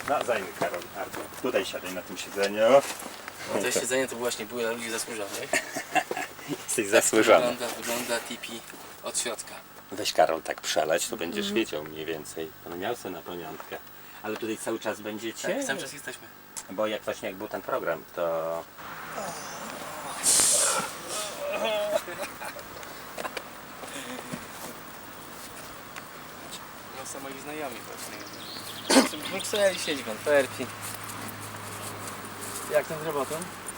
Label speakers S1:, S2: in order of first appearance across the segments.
S1: No zajmij Karol, Artur. Tutaj siadaj na tym siedzeniu.
S2: To siedzenie to właśnie były dla ludzi zasłużonych.
S1: Jesteś zasłużony.
S2: Wygląda tipi od środka.
S1: Weź Karol tak przeleć, to będziesz wiedział mniej więcej. On miał sobie na pamiątkę. Ale tutaj cały czas będziecie?
S2: Tak, cały czas jesteśmy.
S1: Bo jak właśnie jak był ten program, to...
S2: No są moi znajomi właśnie. W Brukseli siedzi w Antwerpii. Jak tam z robotą?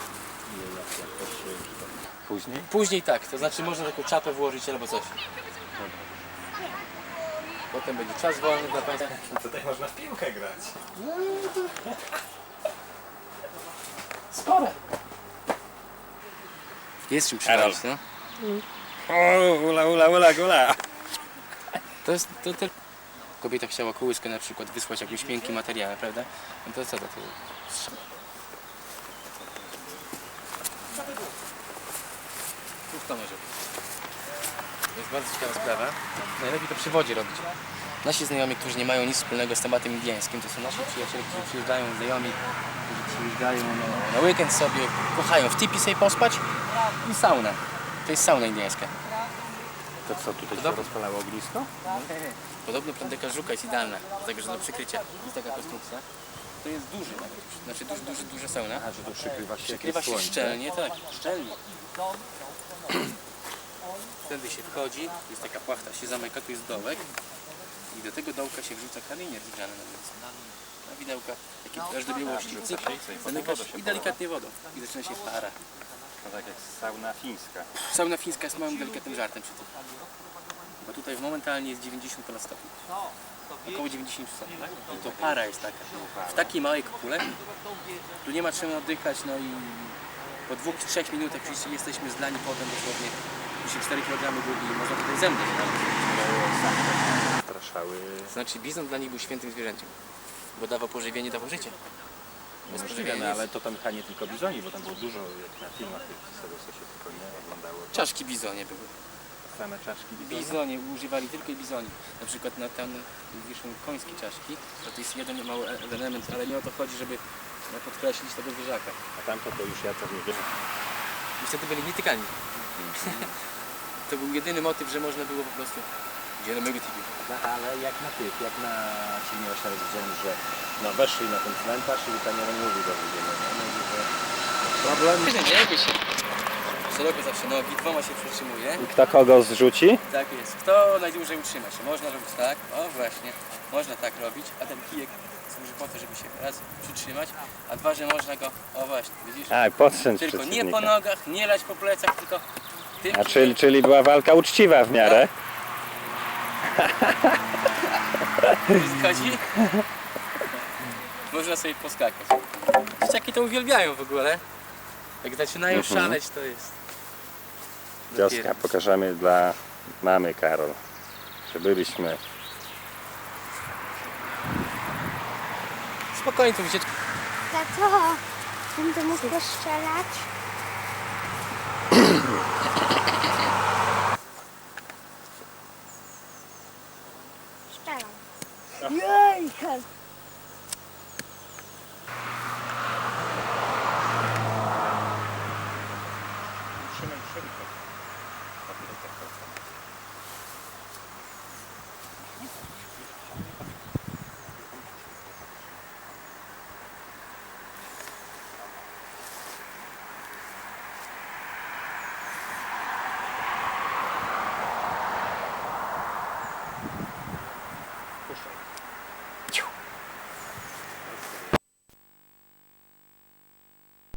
S1: Później?
S2: Później tak, to znaczy można taką czapę włożyć albo coś. Potem będzie czas wolny dla Państwa.
S1: Tutaj można w piłkę grać.
S2: Spore. Jest czym
S1: Karol.
S2: przypalić, no.
S1: O, ula.
S2: To jest, to kobieta chciała kołyskę na przykład wysłać jakimś miękkim materiałem, prawda? No to co to? Tu kto może być? To jest bardzo ciekawa sprawa. Najlepiej to przy wodzie robić. Nasi znajomi, którzy nie mają nic wspólnego z tematem indiańskim, to są nasi przyjaciele, którzy przyjeżdżają, znajomi, którzy przyjeżdżają na weekend sobie, kochają w tipi sobie pospać i sauna. To jest sauna indiańska.
S1: To co, tutaj się
S2: Dobra.
S1: rozpalało ognisko?
S2: Podobno plandetka żuka jest idealna, dlatego że do przykrycia jest taka konstrukcja. To jest duży nawet, znaczy duża sauna.
S1: A, że tu przykrywa się
S2: Przykrywa
S1: jakieś
S2: się
S1: słońce.
S2: szczelnie, tak, szczelnie. Wtedy się wchodzi, jest taka płachta, się zamyka, tu jest dołek i do tego dołka się wrzuca kamienie rozgrzane na mięso. Na widełka, takie aż do białości, cyk, zamykasz i delikatnie wodą i zaczyna się para.
S1: No tak jak sauna fińska.
S2: Sauna fińska jest małym, delikatnym żartem przy tym. Bo tutaj momentalnie jest 90 ponad stopni. Około 90 stopni. I to para jest taka. W takiej małej kopule, tu nie ma czym oddychać, no i po 2-3 minutach już jesteśmy zlani potem dosłownie. Tu się 4 kg gubi i można tutaj zemdleć.
S1: Straszały.
S2: Znaczy bizon dla nich był świętym zwierzęciem, bo dawał pożywienie, dawał życie. Bez
S1: Możliwe,
S2: pożywienia
S1: no,
S2: jest-
S1: ale to tam chyba nie tylko bizoni, bo tam było dużo, jak na filmach z tego co się tylko nie oglądało.
S2: Czaszki bizonie były.
S1: Same czaszki bizoni.
S2: Bizonie, używali tylko bizoni. Na przykład na tam wiszą końskie czaszki, to jest jeden mały element, ale nie o to chodzi, żeby podkreślić tego zwierzaka.
S1: A tamto to już ja to nie wiem.
S2: I wtedy byli nietykalni. To był jedyny motyw, że można było po prostu... Gdzie na mego tipi?
S1: No, ale jak na tych, jak na filmie właśnie raz widziałem, że no weszli na ten cmentarz i tam jeden mówi do ludzie, no mówi, że problem.
S2: Nie bój się. Szeroko zawsze nogi, dwoma się przytrzymuje.
S1: I kto kogo zrzuci?
S2: Tak jest. Kto najdłużej utrzyma się? Można robić tak, o właśnie, można tak robić, a ten kijek służy po to, żeby się raz przytrzymać, a dwa, że można go, o właśnie, widzisz?
S1: Tak, podstrząć
S2: Tylko nie po
S1: przeciwnika.
S2: nogach, nie lać po plecach, tylko tym
S1: A czyli była walka uczciwa w miarę?
S2: chodzi. Można sobie poskakać. Dzieciaki to uwielbiają w ogóle. Jak zaczynają szaleć, to jest...
S1: Wioska pokażemy dla mamy Karol, że byliśmy.
S2: Spokojnie tu wycieczka.
S3: Tato, będę mógł strzelać? Strzelam. Jejka!
S1: Trzymaj szybko.